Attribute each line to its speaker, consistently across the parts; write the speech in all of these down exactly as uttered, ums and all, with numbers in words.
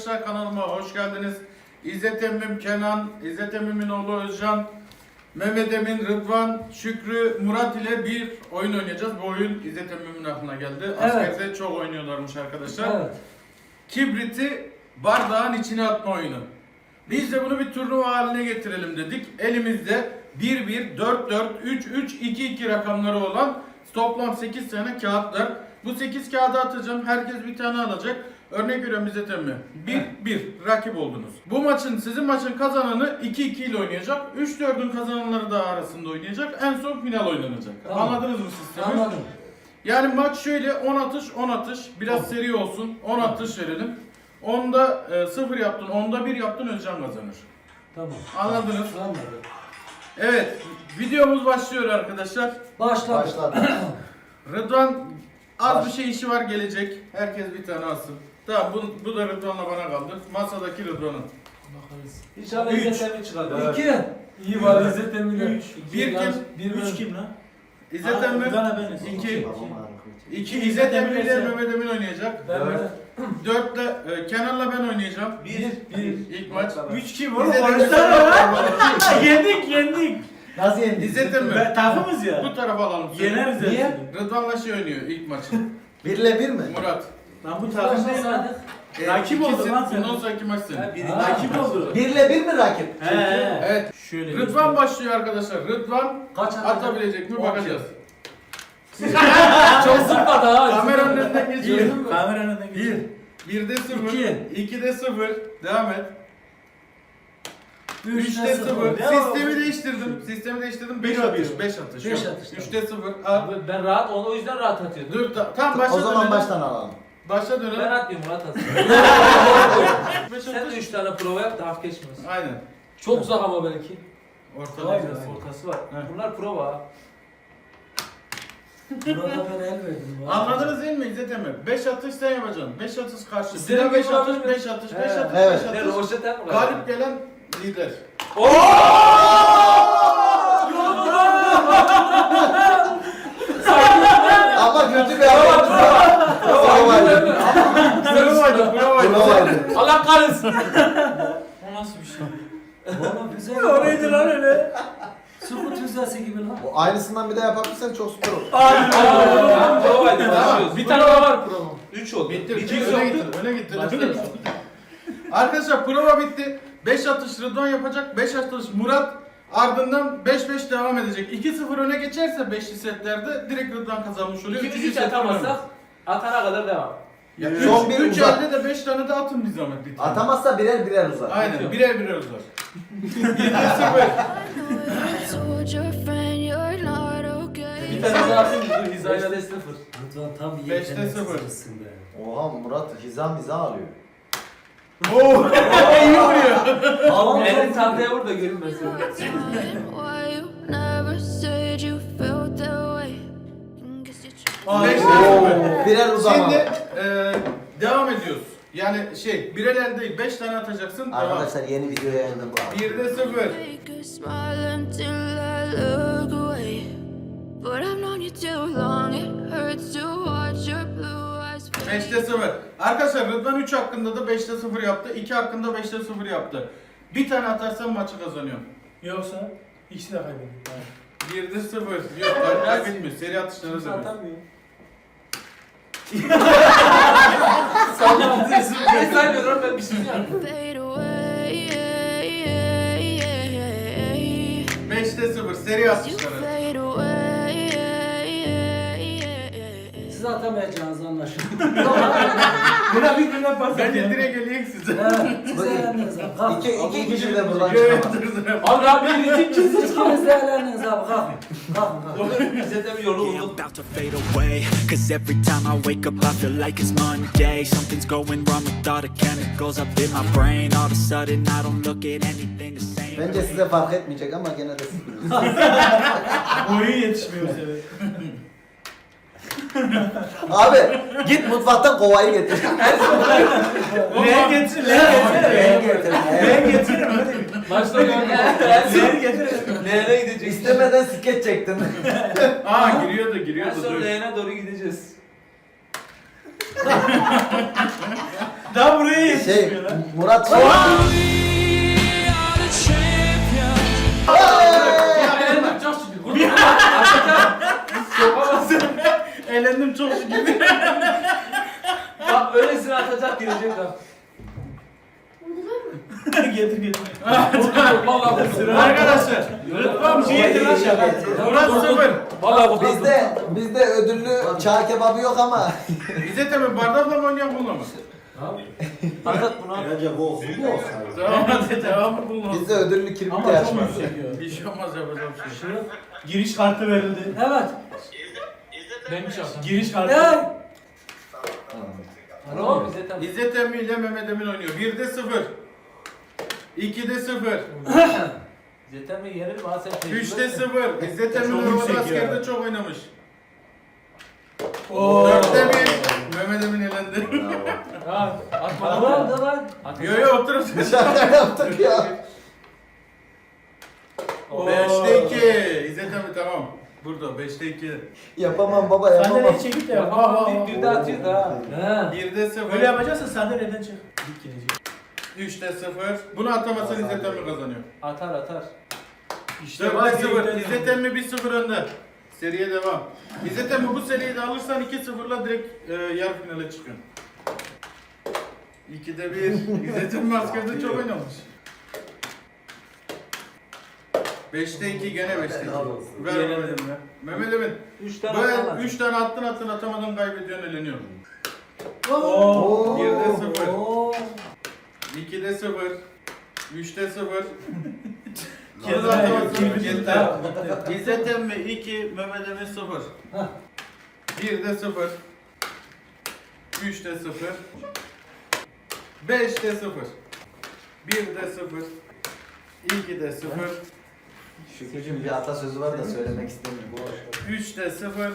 Speaker 1: arkadaşlar, kanalıma hoş geldiniz. İzzet Emmim Kenan, İzzet Emmim'in oğlu Özcan, Mehmet Emin, Rıdvan, Şükrü, Murat ile bir oyun oynayacağız. Bu oyun İzzet Emmim'in aklına geldi.
Speaker 2: Evet.
Speaker 1: Askerde çok oynuyorlarmış arkadaşlar.
Speaker 2: Evet.
Speaker 1: Kibriti bardağın içine atma oyunu. Biz de bunu bir turnuva haline getirelim dedik. Elimizde bir bir, dört dört, üç üç, iki iki rakamları olan toplam sekiz tane kağıt var. Bu sekiz kağıdı atacağım. Herkes bir tane alacak. Örnek veriyorum İzzet Emmi. bir bir rakip oldunuz. Bu maçın, sizin maçın kazananı iki iki ile oynayacak. üç dördün kazananları da arasında oynayacak. En son final oynanacak.
Speaker 2: Tamam.
Speaker 1: Anladınız mı sistemi?
Speaker 2: Anladım.
Speaker 1: Yani maç şöyle: on atış on atış. Biraz
Speaker 2: Tamam.
Speaker 1: seri olsun. on atış verelim. onda sıfır yaptın, onda bir yaptın, Özcan kazanır.
Speaker 2: Tamam.
Speaker 1: Anladınız?
Speaker 2: Anladım.
Speaker 1: Evet, videomuz başlıyor arkadaşlar.
Speaker 2: Başla.
Speaker 3: Başladı.
Speaker 1: Rıdvan az
Speaker 3: Baş-
Speaker 1: bir şey işi var, gelecek. Herkes bir tane alsın. Tamam, bu, bu da Rıdvan'la bana kaldı. Masadaki Rıdvan'ın.
Speaker 2: Bakarız.
Speaker 4: İnşallah
Speaker 2: Üç.
Speaker 4: İzzet Emmi çıkar.
Speaker 2: İki.
Speaker 4: İyi var İzzet Emmi de.
Speaker 2: Üç.
Speaker 1: Bir kim?
Speaker 4: Bir üç kim lan?
Speaker 1: İzzet Emmi.
Speaker 4: Rıdvan'a beniz.
Speaker 1: İki.
Speaker 3: Babam ağrıyor.
Speaker 1: İki İzzet Emmi ile Mehmet Emin oynayacak.
Speaker 4: Ben
Speaker 3: Evet.
Speaker 4: de.
Speaker 1: Dörtte e, Kenan'la ben oynayacağım.
Speaker 4: Bir. Bir.
Speaker 1: İlk maç.
Speaker 4: Üç kim oğlum?
Speaker 1: İzzet Emmi.
Speaker 4: Konuşsana lan. Yendik yendik.
Speaker 3: Nasıl yendin?
Speaker 1: İzzet Emmi.
Speaker 4: Ben takımız ya.
Speaker 1: Bu tarafa alalım. seni.
Speaker 4: Yeneriz
Speaker 3: Niye?
Speaker 4: hepsini.
Speaker 1: Rıdvan'la şey oynuyor ilk maçın.
Speaker 3: Birle bir mi?
Speaker 1: Murat.
Speaker 4: Lan bu takım değil lan.
Speaker 2: Başlasaydık.
Speaker 1: E,
Speaker 4: Rakip oldu
Speaker 1: ikisin,
Speaker 4: lan sen.
Speaker 1: Bundan sonraki maç senin.
Speaker 4: Ha, biri
Speaker 2: Ha.
Speaker 4: rakip oldu.
Speaker 3: Birle bir mi rakip?
Speaker 4: He he.
Speaker 1: Evet.
Speaker 4: Şöyle.
Speaker 1: Rıdvan başlıyor arkadaşlar. Rıdvan
Speaker 2: Kaç atacak?
Speaker 1: atabilecek mi
Speaker 2: On
Speaker 1: bakacağız.
Speaker 2: Çok zıpladı ha.
Speaker 1: Kameranın önünden geçiyor.
Speaker 2: Gördün mü?
Speaker 4: Kameranın önüne
Speaker 1: Bir.
Speaker 4: geç.
Speaker 1: Birde sıfır.
Speaker 2: İki.
Speaker 1: İkide sıfır. Devam et.
Speaker 2: Üçte
Speaker 1: Üçte sıfır.
Speaker 2: sıfır.
Speaker 4: Ne o?
Speaker 1: Sistemi değiştirdim. Sistemi değiştirdim. Beş
Speaker 4: Bir
Speaker 1: atış.
Speaker 4: atıyor.
Speaker 1: Beş atış.
Speaker 2: Beş
Speaker 1: Yok.
Speaker 2: atış, tamam.
Speaker 1: Üçte sıfır. At.
Speaker 4: Ben rahat onu o yüzden rahat atıyordum.
Speaker 1: Dur. Ta tamam, başla
Speaker 3: O zaman
Speaker 1: dönelim.
Speaker 3: baştan alalım.
Speaker 1: Başla
Speaker 4: Ben
Speaker 1: dönelim.
Speaker 4: atmıyorum Murat atsın.
Speaker 1: Beş
Speaker 4: Sen de
Speaker 1: atış.
Speaker 4: üç tane prova yap da hafif geçmesin.
Speaker 1: Aynen.
Speaker 2: Çok uzak ama belki.
Speaker 1: Ortada.
Speaker 2: Vay be.
Speaker 4: Ortası var.
Speaker 1: He.
Speaker 4: Bunlar prova.
Speaker 2: Burada ben el verdim.
Speaker 1: Anladınız değil mi İzzet Emre? Beş atış sen yapacaksın. Beş atış karşı.
Speaker 4: İstediğin
Speaker 1: Sinan beş
Speaker 4: gibi
Speaker 1: atış,
Speaker 4: olabilir.
Speaker 1: beş atış,
Speaker 4: He.
Speaker 1: beş atış,
Speaker 3: Evet.
Speaker 1: beş
Speaker 4: Ne
Speaker 1: atış.
Speaker 4: roşeten mi?
Speaker 1: Galip gelen lider.
Speaker 3: Ama kötü bir haber. Bravo vardı.
Speaker 1: Bravo'ydu, bravo'ydu.
Speaker 3: Bravo vardı.
Speaker 4: Allah kahretsin.
Speaker 1: O nasıl bir şey?
Speaker 2: Valla güzel.
Speaker 4: O neydi lan öyle?
Speaker 2: Su tüzesi gibi lan.
Speaker 3: O aynısından bir de yapabilirsen çok süper olur.
Speaker 4: Tamam provaydı. Başlıyoruz.
Speaker 1: Bir
Speaker 4: Bir tane daha var provam. Üç oldu.
Speaker 1: Bitti,
Speaker 4: Bir
Speaker 1: bitti.
Speaker 4: çift
Speaker 1: Öne
Speaker 4: yoktu.
Speaker 1: gitti, öne gitti.
Speaker 4: Başlıyoruz.
Speaker 1: Arkadaşlar prova bitti. beş atış Rıdvan yapacak, beş atış Murat. Ardından beş beş devam edecek. iki sıfır öne geçerse beşli setlerde direkt Rıdvan kazanmış oluyor.
Speaker 4: İkimiz
Speaker 1: Üçüncü
Speaker 4: hiç
Speaker 1: set
Speaker 4: atamazsak
Speaker 1: önemli.
Speaker 4: atana kadar devam.
Speaker 1: Ya
Speaker 3: Son
Speaker 1: üç,
Speaker 3: bir
Speaker 1: üç
Speaker 3: uzat.
Speaker 1: elde de beş tane de atın bir zahmet bir tane.
Speaker 3: Atamazsa birer birer uzar.
Speaker 1: Aynen,
Speaker 4: Atıyorum.
Speaker 1: birer birer uzar. yedi sıfır.
Speaker 5: Told your friend you're not okay.
Speaker 4: Bir tane daha atayım mı? Dur hizayla de sıfır.
Speaker 2: Rıdvan tam iyi
Speaker 1: Beşte
Speaker 2: yetenek
Speaker 1: sıfır.
Speaker 2: sırasın be.
Speaker 3: Oha Murat hiza miza alıyor.
Speaker 1: Oo, iyi vuruyor.
Speaker 2: Alan
Speaker 4: Elini
Speaker 2: çok
Speaker 4: tahtaya vur da görün ben seni.
Speaker 5: Why you never said you felt that way? Guess you tried.
Speaker 1: beşte sıfır.
Speaker 3: Oo, birer uzama.
Speaker 1: Şimdi e, devam ediyoruz. Yani şey, birer el değil, beş tane atacaksın. Devam.
Speaker 3: Arkadaşlar yeni videoya yayında bu.
Speaker 1: birde sıfır.
Speaker 5: Fake a smile until I look away. But I've known you too long, it hurts to watch your blue eyes fade.
Speaker 1: beşte sıfır. Arkadaşlar Rıdvan üç hakkında da beşte sıfır yaptı. iki hakkında beşte sıfır yaptı. Bir tane atarsan maçı kazanıyorsun.
Speaker 4: Yoksa ikisi de kaybediyor.
Speaker 1: birde sıfır. Yok, kay- kaybetmiyor. Seri atışları
Speaker 4: Kimse
Speaker 1: dönüyor.
Speaker 4: atamıyor.
Speaker 2: Sallamadın.
Speaker 4: Ben saymıyorum ben bir şey yaptım.
Speaker 5: Fade away.
Speaker 1: beşte sıfır. Seri
Speaker 5: You
Speaker 1: atışları.
Speaker 5: fade away.
Speaker 2: Siz atamayacağınız anlaşıldı.
Speaker 4: Buna bir güne pas
Speaker 1: Bence direkt eleyek size.
Speaker 2: Evet. Siz eğlendiniz abi. Kalk.
Speaker 3: İki, iki kişi de buradan
Speaker 1: Evet,
Speaker 3: çıkamaz.
Speaker 1: dur, dur.
Speaker 4: Abi abi rizik
Speaker 2: Siz
Speaker 4: kimsin?
Speaker 2: ikiniz de eğlendiniz abi. Kalkın. Kalkın kalkın.
Speaker 4: İzzet Emmi yolu
Speaker 6: Yeah, I'm
Speaker 4: bulduk.
Speaker 6: about to fade away. Cause every time I wake up, I feel like it's Monday. Something's going wrong with all the chemicals up in my brain. All of a sudden, I don't look at anything the same.
Speaker 3: Bence size fark etmeyecek ama gene de siz bilirsiniz.
Speaker 4: Boyu yetişmiyor senin.
Speaker 3: Abi git mutfaktan kovayı getir.
Speaker 4: Leğen getir, leğen
Speaker 3: Leğen
Speaker 4: getir.
Speaker 3: getir.
Speaker 4: Leğen getirin hadi.
Speaker 2: Başta gördüm.
Speaker 4: Leğen getirin. Leğene gideceğiz.
Speaker 3: İstemeden skeç çektin.
Speaker 1: Aa, giriyordu,
Speaker 4: En
Speaker 1: giriyordu.
Speaker 4: son
Speaker 1: Dur.
Speaker 4: leğene doğru gideceğiz. Daha buraya
Speaker 3: Şey,
Speaker 4: yetişmiyor lan.
Speaker 3: Murat şey.
Speaker 1: Ya elendim çok şükür.
Speaker 4: Yapamazsın.
Speaker 1: Elendim çok şükür.
Speaker 2: Bak öylesine atacak girecek bak.
Speaker 4: Getir getir.
Speaker 2: Vallahi bu sıra.
Speaker 1: Arkadaşlar. Rıdvan bir şey lan şaka. Murat sıfır.
Speaker 2: Vallahi bu
Speaker 3: Bizde bizde ödüllü çağ kebabı yok ama.
Speaker 1: Bize tabi bardakla mı oynayak bununla mı?
Speaker 2: Fakat buna
Speaker 3: Bence bu olsun. Bu olsun.
Speaker 1: Tamam hadi devamı bulma.
Speaker 3: Bizde ödüllü kirpik
Speaker 4: Ama çok
Speaker 3: yarışması.
Speaker 4: yüksek ya.
Speaker 1: Bir şey olmaz yapacağım bir şey.
Speaker 4: Giriş kartı verildi.
Speaker 2: evet.
Speaker 4: Neymiş o? Giriş kartı.
Speaker 2: Ya. Alo bize tamam.
Speaker 1: İzzet Emmi ile Mehmet Emin oynuyor. birde sıfır. ikide sıfır.
Speaker 2: Zaten mi yerim ha sen
Speaker 1: üçte sıfır. İzzet Emmi
Speaker 4: Çok
Speaker 1: Nurullah
Speaker 4: yüksek ya.
Speaker 1: askerde çok oynamış.
Speaker 4: Oo.
Speaker 1: dörtte bir. Mehmet Emin elendi.
Speaker 4: Ha, atma
Speaker 2: Tamam
Speaker 4: lan.
Speaker 2: da lan.
Speaker 1: Yo yo otur.
Speaker 3: Şaka yaptık ya.
Speaker 4: Oo.
Speaker 1: beşte iki. İzzet Emmi tamam. Burada beşte iki.
Speaker 3: Yapamam baba
Speaker 4: Sen de
Speaker 3: yapamam.
Speaker 4: ne çekip de yap. Ha, ha, ha.
Speaker 2: Bir de atıyor da. He.
Speaker 1: birde sıfır.
Speaker 4: Böyle yapacaksan sen de neden çık? Dik gelecek.
Speaker 1: üçte sıfır. Bunu atamazsan İzzet Emmi kazanıyor.
Speaker 2: Atar atar.
Speaker 4: İşte
Speaker 1: dörtte
Speaker 4: bak,
Speaker 1: sıfır.
Speaker 4: direkten
Speaker 1: İzzet Emmi bir sıfır önde. Seriye devam. İzzet Emmi bu seriyi de alırsan iki sıfırla direkt e, yarı finale çıkıyorsun. ikide bir. İzzet Emmi askerde çok oynamış. beşte iki gene beşte iki. Ver Mehmet Emin. Mehmet Emin.
Speaker 2: Üç tane
Speaker 1: Böyle
Speaker 2: atar.
Speaker 1: üç tane attın attın atamadın kaybediyorsun eleniyor.
Speaker 4: Oo.
Speaker 1: birde sıfır.
Speaker 2: Oo.
Speaker 1: ikide sıfır. üçte sıfır.
Speaker 4: Yeter,
Speaker 1: Bunu da atamazsın.
Speaker 4: yeter.
Speaker 1: Yeter. İzzet Emmi iki, Mehmet Emin sıfır.
Speaker 2: Hah.
Speaker 1: birde sıfır. üçte sıfır. beşte sıfır. birde sıfır. ikide sıfır.
Speaker 3: Şükrücüğüm bir atasözü var da söylemek istemiyorum.
Speaker 1: üçte sıfır.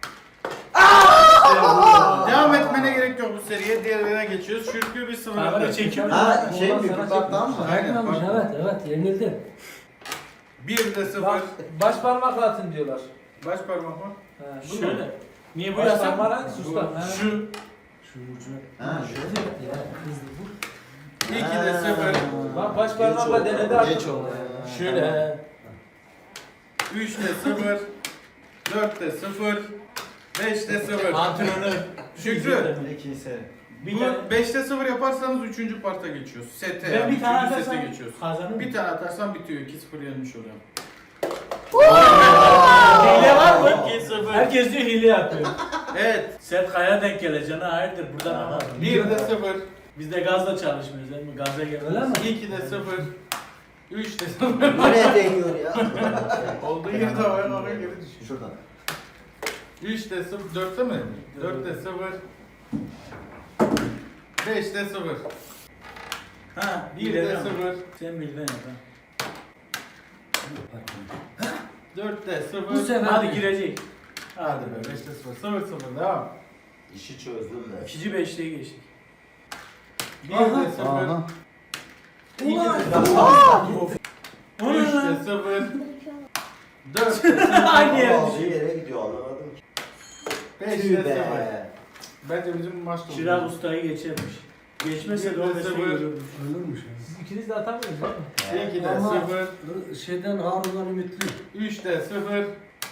Speaker 1: Devam etmene gerek yok bu seriye. Diğerlerine geçiyoruz. Şürkü bir sıfır.
Speaker 4: Kamera
Speaker 1: önde.
Speaker 4: çekiyor mu?
Speaker 3: Ha şey
Speaker 2: Ondan
Speaker 3: mi?
Speaker 2: sana
Speaker 3: Bir baktan mı?
Speaker 1: Aynen.
Speaker 2: Aynen. Evet evet yenildim.
Speaker 1: birde sıfır.
Speaker 2: Bak baş parmakla atın diyorlar.
Speaker 1: Baş parmak mı?
Speaker 2: He, bu mu?
Speaker 4: Şöyle. Niye bu
Speaker 2: Baş
Speaker 4: yasak?
Speaker 2: parmağı hangisi usta? He.
Speaker 4: Şu.
Speaker 3: Ha şöyle.
Speaker 2: Ya, hızlı bu.
Speaker 1: ikide sıfır.
Speaker 2: Bak baş parmakla denedi atın.
Speaker 3: Geç oldu.
Speaker 4: Şöyle. he.
Speaker 1: üçte sıfır. dörtte sıfır. beşte sıfır.
Speaker 4: Antrenör.
Speaker 1: Şükrü.
Speaker 3: İkisi.
Speaker 4: Bir
Speaker 1: Bu
Speaker 4: tane.
Speaker 1: beşte sıfır yaparsanız üçüncü parta geçiyoruz. Sete
Speaker 4: Ben
Speaker 1: yani.
Speaker 4: bir tane
Speaker 1: üçüncü
Speaker 4: atarsam
Speaker 1: sete geçiyoruz.
Speaker 4: kazanırım.
Speaker 1: Bir tane atarsan bitiyor. iki sıfır yenmiş oluyor.
Speaker 4: Hile var mı?
Speaker 1: iki sıfır.
Speaker 4: Herkes diyor hile yapıyor.
Speaker 1: Evet.
Speaker 4: Sert kaya denk geleceksin ha hayırdır buradan ama.
Speaker 1: birde sıfır.
Speaker 4: Biz de gazla çalışmıyoruz değil mi? Gaza
Speaker 2: Öyle
Speaker 4: gelmez.
Speaker 2: mi?
Speaker 1: ikide sıfır. üçte sıfır.
Speaker 3: Nereye değiyor ya?
Speaker 1: Olduğu yerde havaya havaya geri düşüyor.
Speaker 3: Şuradan.
Speaker 1: üçte sıfır. dörtte mi? dörtte sıfır. beşte sıfır.
Speaker 4: Ha
Speaker 1: birde
Speaker 4: birden
Speaker 1: sıfır.
Speaker 4: Sen birden yap ha.
Speaker 1: dörtte sıfır.
Speaker 2: Bu sefer
Speaker 4: Hadi girecek.
Speaker 1: Hadi be beşte sıfır. sıfır sıfır devam.
Speaker 3: İşi çözdüm de.
Speaker 4: İkinci beşliğe geçtik.
Speaker 1: birde sıfır.
Speaker 3: Aha.
Speaker 1: ikide
Speaker 4: O ne
Speaker 1: üçte
Speaker 4: lan?
Speaker 1: sıfır. dörtte sıfır.
Speaker 4: Aynı yere
Speaker 3: Aldığı
Speaker 4: düşüyor.
Speaker 3: yere gidiyor anlamadım ki.
Speaker 1: beşte
Speaker 3: Tüh
Speaker 1: sıfır.
Speaker 3: be.
Speaker 1: Bence bizim maç da
Speaker 4: Şiraz
Speaker 1: oldu.
Speaker 4: ustayı geçermiş. Geçmese de
Speaker 1: Birde
Speaker 4: o mesleği
Speaker 1: sıfır.
Speaker 4: görürmüş.
Speaker 2: Ölürmüş.
Speaker 4: Siz ikiniz de atamıyorsunuz değil mi?
Speaker 1: ikide
Speaker 2: Ama
Speaker 1: sıfır.
Speaker 2: şeyden Harun'dan ümitli.
Speaker 1: üçte sıfır.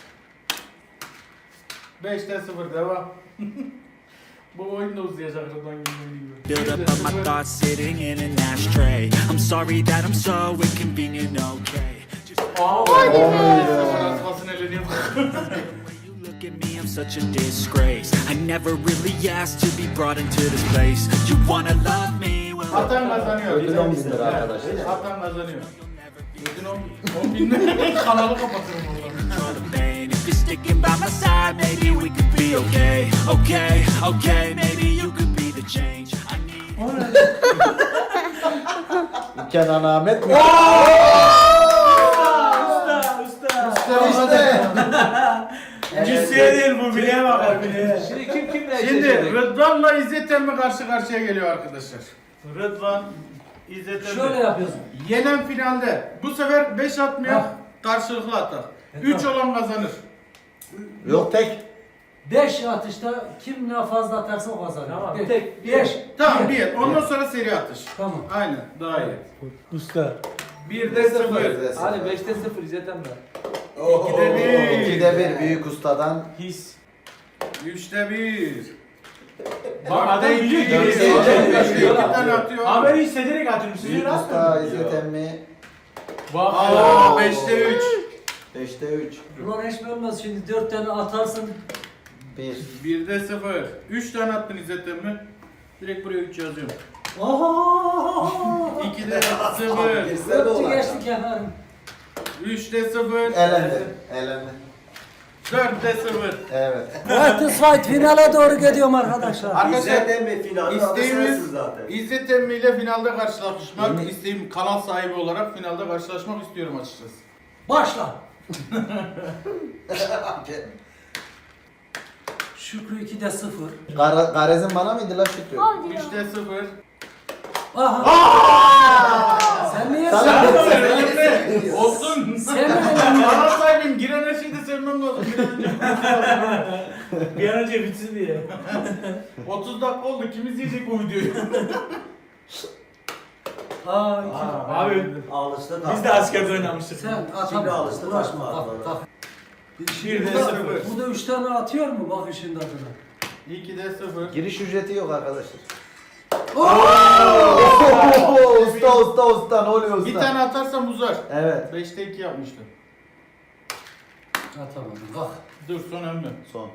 Speaker 1: beşte sıfır devam. Bu oyun da uzayacak Rıdvan gibi.
Speaker 6: Build up of my thoughts sitting in an ashtray. I'm sorry that I'm so inconvenient, okay? Just
Speaker 1: Asmasını eleniyor.
Speaker 6: when you look at me, I'm such a disgrace. I never really asked to be brought into this place. You wanna love me? Well,
Speaker 1: Atan kazanıyor.
Speaker 3: Ödül on bin lira arkadaşlar.
Speaker 1: Atan kazanıyor. Ödül on bin lira. Kanalı kapatırım oradan.
Speaker 6: control the pain. If you're sticking by my side, maybe we could be okay. Okay, okay, maybe you could be the change I need.
Speaker 3: Kenan Ahmet mi?
Speaker 4: Usta, usta.
Speaker 3: İşte.
Speaker 4: Cüsseye değil bu bileğe bakar bileğe.
Speaker 2: Şimdi kim kimle
Speaker 1: Şimdi
Speaker 2: eşleşecek?
Speaker 1: Rıdvan'la İzzet Emmi karşı karşıya geliyor arkadaşlar. Rıdvan, İzzet Emmi.
Speaker 2: Şöyle yapıyorsun.
Speaker 1: Yenen finalde. Bu sefer beş atmıyor.
Speaker 2: Ha.
Speaker 1: Karşılıklı atar. üç olan kazanır.
Speaker 3: Yok tek.
Speaker 2: beş atışta kim ne fazla atarsa o kazanır.
Speaker 4: Tamam,
Speaker 2: Beş.
Speaker 4: tek, bir.
Speaker 2: beş.
Speaker 1: Tamam bir. Ondan sonra seri atış.
Speaker 2: Tamam.
Speaker 1: Aynen daha iyi.
Speaker 4: Usta.
Speaker 1: Bir de sıfır.
Speaker 2: Hadi beşte sıfır İzzet emmi.
Speaker 1: İkide bir.
Speaker 3: İkide bir büyük ustadan.
Speaker 4: His.
Speaker 1: Üçte bir.
Speaker 4: Bak adam
Speaker 1: Dörtte
Speaker 4: biliyor
Speaker 1: iki.
Speaker 4: ki.
Speaker 3: Dörtte
Speaker 1: Dörtte
Speaker 3: iki.
Speaker 1: iki. İki tane atıyor.
Speaker 4: Haberi hissederek atıyorum. Siz
Speaker 3: Büyük
Speaker 4: öyle
Speaker 3: usta
Speaker 4: atmıyorsunuz.
Speaker 3: İzzet emmi.
Speaker 4: Bak.
Speaker 1: Aa, beşte üç.
Speaker 3: Beşte üç.
Speaker 2: Ulan hiç bilmez şimdi dört tane atarsın.
Speaker 3: Bir.
Speaker 1: Birde sıfır. Üç tane attın İzzet emmi. Direkt buraya üç yazıyorum.
Speaker 2: Oho!
Speaker 1: İkide sıfır.
Speaker 2: Dörtü geçtik efendim.
Speaker 1: Üçte sıfır.
Speaker 3: Elendi. Elendi.
Speaker 1: Dörtte sıfır.
Speaker 3: Evet.
Speaker 2: White Fight finale doğru gidiyorum arkadaşlar.
Speaker 1: Arkadaşlar
Speaker 7: mi finalde
Speaker 1: isteğimiz
Speaker 7: zaten.
Speaker 1: İzzet Emmi ile finalde karşılaşmak.
Speaker 3: Yemin-
Speaker 1: İsteğim kanal sahibi olarak finalde karşılaşmak istiyorum açıkçası.
Speaker 2: Başla. Şükrü ikide sıfır.
Speaker 3: Gara, Garez'in bana mıydı la Şükrü?
Speaker 1: Üçte sıfır.
Speaker 2: Aha. Sen niye
Speaker 3: Sana-
Speaker 2: sen?
Speaker 1: Olsun.
Speaker 2: Sen mi?
Speaker 1: Kanal sahibim. Giren her şeyi de sevmem lazım. Bir an önce
Speaker 4: Bir an önce bitsin diye.
Speaker 1: otuz dakika oldu. Kim izleyecek bu videoyu?
Speaker 2: Aa, iki.
Speaker 7: Aa,
Speaker 4: Abi
Speaker 7: Alıştık
Speaker 4: biz de askerde oynamıştık.
Speaker 2: Sen
Speaker 7: Şimdi
Speaker 2: atamam.
Speaker 7: alıştı,
Speaker 2: Uğraşma.
Speaker 7: başma
Speaker 2: Bak,
Speaker 7: atmalara.
Speaker 2: bak.
Speaker 4: Bir de
Speaker 2: Bu da-
Speaker 4: sıfır.
Speaker 2: Bu da üç tane atıyor mu? Bak işin tadına.
Speaker 1: ikide sıfır.
Speaker 3: Giriş ücreti yok arkadaşlar. Oo, usta usta usta ne oluyor usta?
Speaker 1: Bir tane atarsam uzar.
Speaker 3: Evet.
Speaker 1: Beşte iki yapmıştım.
Speaker 2: Atamadım. Bak.
Speaker 1: Dur son ömrü.
Speaker 3: Son.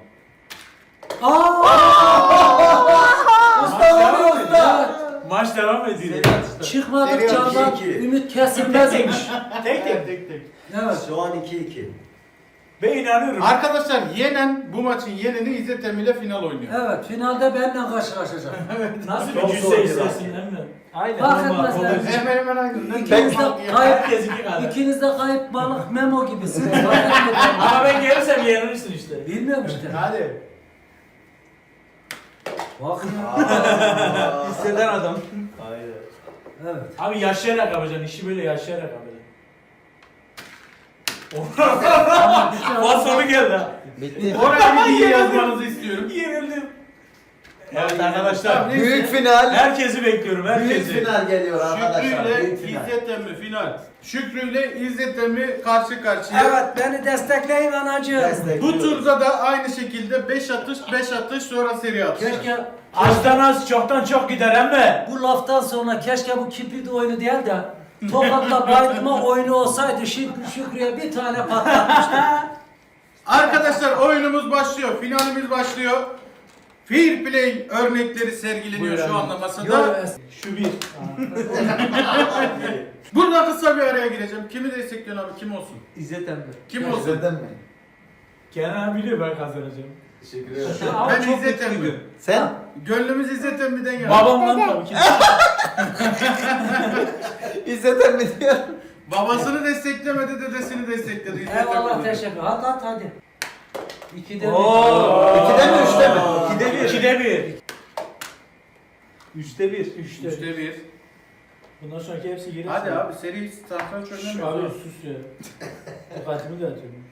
Speaker 2: Usta oluyor usta.
Speaker 4: Maç devam ediyor.
Speaker 2: Çıkmadık
Speaker 7: Seri
Speaker 2: candan
Speaker 7: iki iki.
Speaker 2: ümit kesilmezmiş.
Speaker 4: Tek tek.
Speaker 1: Tek tek.
Speaker 2: Evet.
Speaker 7: Şu an iki iki.
Speaker 4: Ben inanıyorum.
Speaker 1: Arkadaşlar yenen bu maçın yeneni İzzet Emmi ile final oynuyor.
Speaker 2: Evet. Finalde benimle karşılaşacak.
Speaker 4: Nasıl
Speaker 7: Çok
Speaker 4: bir
Speaker 7: zor
Speaker 4: cüsse
Speaker 7: bir
Speaker 4: istersin
Speaker 7: rakip.
Speaker 4: değil mi? Aynen.
Speaker 2: Fark
Speaker 4: Normal,
Speaker 2: etmez
Speaker 4: kolay.
Speaker 2: yani.
Speaker 1: Hemen hemen aynı.
Speaker 2: İkiniz de kayıp,
Speaker 4: Herkes iki kadar.
Speaker 2: ikiniz de kayıp balık Memo gibisiniz. Fark etmez.
Speaker 4: Ama ben gelirsem yenilirsin işte.
Speaker 2: Bilmiyorum işte.
Speaker 4: Hadi.
Speaker 2: Bak ya.
Speaker 7: Aa,
Speaker 4: Hisseden adam.
Speaker 7: Aynen.
Speaker 2: Evet.
Speaker 4: Abi yaşayarak yapacaksın. İşi böyle yaşayarak yapacaksın. Bas sonu geldi ha.
Speaker 3: Bitti.
Speaker 1: Oraya bir iyi yazmanızı istiyorum.
Speaker 4: Yenildim. Evet arkadaşlar.
Speaker 1: Tamam, neyse.
Speaker 3: Büyük final.
Speaker 4: Herkesi bekliyorum.
Speaker 3: Büyük
Speaker 4: Herkesi.
Speaker 3: final geliyor arkadaşlar.
Speaker 1: Şükrü ile
Speaker 3: Büyük final.
Speaker 1: İzzet Emmi final. Şükrü ile İzzet Emmi karşı karşıya.
Speaker 2: Evet beni destekleyin anacığım.
Speaker 3: Destek.
Speaker 1: Bu turda da aynı şekilde beş atış, beş atış sonra seri atış.
Speaker 2: Keşke
Speaker 4: Azdan az çoktan çok gider emme.
Speaker 2: bu laftan sonra keşke bu kibrit oyunu değil de Tokat'la bayılma oyunu olsaydı Şükrü Şükrü'ye bir tane patlatmıştım.
Speaker 1: Arkadaşlar oyunumuz başlıyor. Finalimiz başlıyor. Fair play örnekleri sergileniyor
Speaker 4: Buyur
Speaker 1: şu
Speaker 4: abi.
Speaker 1: anda masada.
Speaker 2: Yo,
Speaker 4: Şu bir.
Speaker 1: Burada kısa bir araya gireceğim. Kimi destekliyorsun abi? Kim olsun?
Speaker 2: İzzet emmi.
Speaker 1: Kim olsun?
Speaker 3: İzledin mi?
Speaker 4: Kenan abi biliyor ben kazanacağım.
Speaker 7: Teşekkür ederim.
Speaker 4: Ama
Speaker 1: Ben
Speaker 4: çok
Speaker 1: İzzet Emmi.
Speaker 4: mutluyum.
Speaker 3: Sen?
Speaker 1: Gönlümüz İzzet Emmi'den yana.
Speaker 4: Babamdan tabii ki.
Speaker 3: İzledin mi diyor.
Speaker 1: Babasını desteklemedi, dedesini destekledi. İzzet
Speaker 2: Eyvallah
Speaker 1: Emmi.
Speaker 2: teşekkür. Hadi hadi hadi. İkide bir.
Speaker 4: Oo.
Speaker 3: İkide mi üçte mi?
Speaker 4: İkide bir. İkide bir. Üçte bir. Üçte.
Speaker 1: Üçte bir.
Speaker 4: Bundan sonraki hepsi gelir.
Speaker 1: Hadi abi seri satranç
Speaker 4: Şş,
Speaker 1: oynamıyoruz.
Speaker 4: Abi sus ya. Dikkatimi de atıyorum.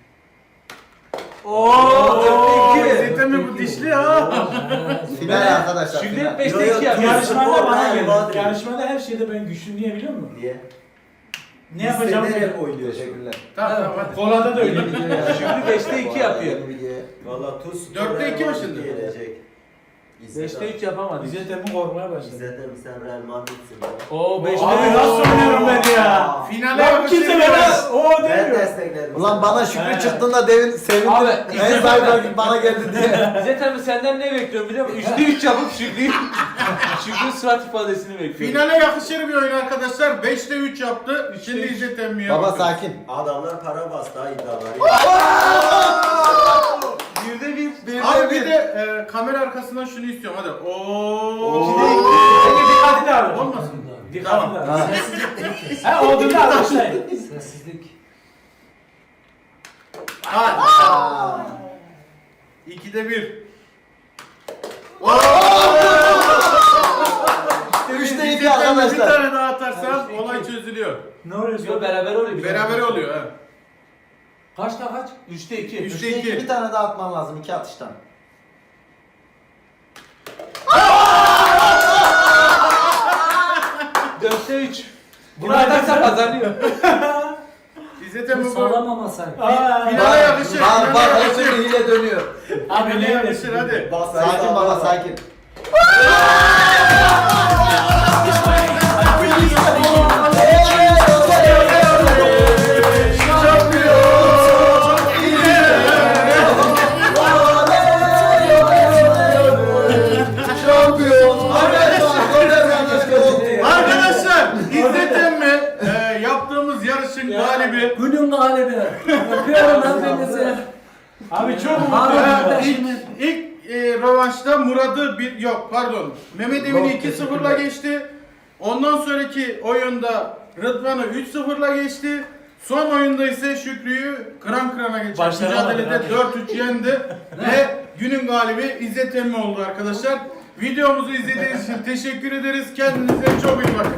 Speaker 1: Oo,
Speaker 4: dörtte iki.
Speaker 1: İzzet Emmi bu dişli ha.
Speaker 3: Final arkadaşlar.
Speaker 4: Şimdi
Speaker 3: final.
Speaker 4: hep beşte
Speaker 7: Yo, yo,
Speaker 4: iki yap.
Speaker 7: Türk
Speaker 4: Yarışmada
Speaker 7: spor
Speaker 4: bana
Speaker 7: her
Speaker 4: gelin.
Speaker 7: vadeli.
Speaker 4: Yarışmada her şeyde ben güçlüyüm diye biliyor musun?
Speaker 7: Niye?
Speaker 4: Ne yapacağımı
Speaker 7: İstediğin
Speaker 4: biliyorum.
Speaker 7: oynuyorsun.
Speaker 3: Teşekkürler.
Speaker 1: Tamam tamam hadi.
Speaker 4: Kolada da öyle.
Speaker 3: Şimdi
Speaker 4: beşte iki yapıyor.
Speaker 7: Valla tuz spor
Speaker 1: Dörtte
Speaker 7: Real
Speaker 1: iki mi
Speaker 7: Madrid
Speaker 1: şimdi?
Speaker 7: gelecek. İzzet
Speaker 4: Beşte
Speaker 7: abi.
Speaker 4: üç yapamadı. İzzet Emin korkmaya başladı.
Speaker 7: İzzet'im sen Real Madrid'sin ya.
Speaker 4: Oo beşte
Speaker 1: Abi
Speaker 4: bir nasıl oynuyorum ben ya?
Speaker 1: Finale
Speaker 4: Lan kimse bana
Speaker 1: yakışır.
Speaker 4: o
Speaker 7: Ben
Speaker 4: demiyor.
Speaker 7: destekledim.
Speaker 3: Ulan bana Şükrü
Speaker 4: He.
Speaker 3: çıktığında devin sevindim.
Speaker 4: Abi,
Speaker 3: En sahibi bana geldi diye.
Speaker 8: İzzet abi senden ne bekliyorum biliyor musun? Üçte üç yapıp Şükrü'yü Şükrü'nün surat ifadesini bekliyorum.
Speaker 1: Finale yakışır bir oyun arkadaşlar. beşte üç yaptı. Şimdi
Speaker 4: üç.
Speaker 1: İzzet Emmi'ye
Speaker 3: Baba
Speaker 1: bakıyoruz.
Speaker 3: sakin.
Speaker 7: Adamlar para bastı ha iddiaları.
Speaker 3: Birde bir.
Speaker 1: Abi bir de e, kamera arkasından şunu istiyorum hadi. Oo.
Speaker 4: Peki dikkatli davran.
Speaker 1: Olmasın.
Speaker 4: Dikkatli
Speaker 1: Tamam.
Speaker 4: davran.
Speaker 3: Ha.
Speaker 4: Ha olduğunda arkadaşlayın.
Speaker 2: Sessizlik.
Speaker 1: Hadi. İkide bir.
Speaker 3: Üçte iki
Speaker 1: İzzet Emmi bir
Speaker 3: arkadaşlar.
Speaker 1: tane daha atarsan olay çözülüyor.
Speaker 4: Ne oluyor?
Speaker 8: Yo beraber oluyor.
Speaker 1: Beraber oluyor ha.
Speaker 2: Kaçta kaç?
Speaker 8: Üçte iki.
Speaker 1: Üçte
Speaker 3: Üçte iki
Speaker 1: iki.
Speaker 3: bir tane daha atman lazım iki atıştan.
Speaker 8: Bunu atarsa kazanıyor.
Speaker 1: İzzet Emmi bu
Speaker 2: Sağlamamasaydı.
Speaker 1: finale yakışır.
Speaker 3: Bak
Speaker 1: Finale
Speaker 3: bak
Speaker 1: yakışır.
Speaker 3: şimdi hile dönüyor.
Speaker 4: Abi
Speaker 1: Finale
Speaker 4: ne
Speaker 1: yakışır hadi.
Speaker 7: Bas,
Speaker 3: Sakin baba sakin. Şampiyon.
Speaker 1: Arkadaşlar İzzet Emmi e, yaptığımız yarışın galibi.
Speaker 2: Günün galibi. Öpüyorum hepinizi.
Speaker 4: Abi çok
Speaker 1: Ee,
Speaker 2: Abi
Speaker 1: ilk ilk e, rövanşta Murat'ı bir yok pardon Mehmet Emin'i
Speaker 3: Yok,
Speaker 1: iki sıfırla
Speaker 3: teşekkürler.
Speaker 1: geçti. Ondan sonraki oyunda Rıdvan'ı üç sıfırla geçti. Son oyunda ise Şükrü'yü kıran kırana geçti.
Speaker 4: Başaramadı,
Speaker 1: Mücadelede
Speaker 4: hadi.
Speaker 1: dört üç yendi ve günün galibi İzzet Emmi oldu arkadaşlar. Videomuzu izlediğiniz için teşekkür ederiz. Kendinize çok iyi bakın.